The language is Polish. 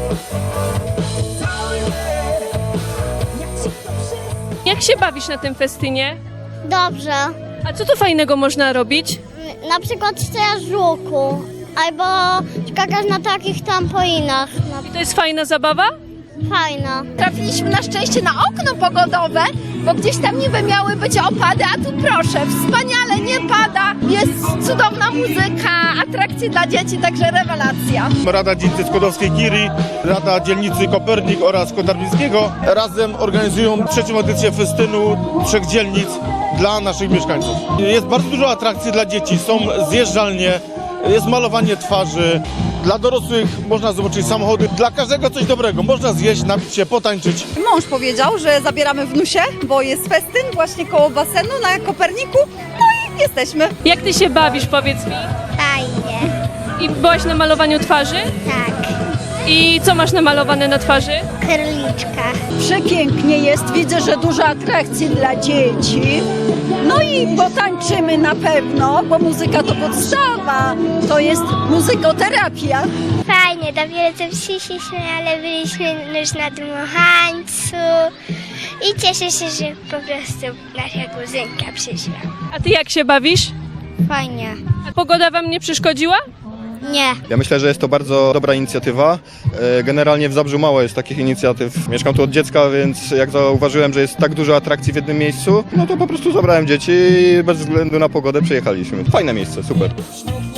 Jak się bawisz na tym festynie? Dobrze. A co tu fajnego można robić? Na przykład strzelasz z łuku, albo skakasz na takich trampolinach. I to jest fajna zabawa? Fajna. Trafiliśmy na szczęście na okno pogodowe, bo gdzieś tam niby miały być opady, a tu proszę, wspaniale, nie pada, jest cudowna muzyka, atrakcje dla dzieci, także rewelacja. Rada Dzielnicy Skłodowskiej-Curie, Rada Dzielnicy Kopernik oraz Kotarbińskiego razem organizują trzecią edycję festynu 3 dzielnic dla naszych mieszkańców. Jest bardzo dużo atrakcji dla dzieci, są zjeżdżalnie, jest malowanie twarzy, dla dorosłych można zobaczyć samochody, dla każdego coś dobrego, można zjeść, napić się, potańczyć. Mąż powiedział, że zabieramy wnusie, bo jest festyn właśnie koło basenu na Koperniku, no i jesteśmy. Jak ty się bawisz, powiedz mi? Fajnie. I byłaś na malowaniu twarzy? Tak. I co masz namalowane na twarzy? Kryliczka. Przepięknie jest, widzę, że dużo atrakcji dla dzieci. No i potańczymy na pewno, bo muzyka to podstawa, to jest muzykoterapia. Fajnie, dopiero co przyszliśmy, ale byliśmy już na dmuchańcu i cieszę się, że po prostu nasza kuzynka przyszła. A ty jak się bawisz? Fajnie. A pogoda wam nie przeszkodziła? Nie. Ja myślę, że jest to bardzo dobra inicjatywa. Generalnie w Zabrzu mało jest takich inicjatyw. Mieszkam tu od dziecka, więc jak zauważyłem, że jest tak dużo atrakcji w jednym miejscu, no to po prostu zabrałem dzieci i bez względu na pogodę przyjechaliśmy. Fajne miejsce, super.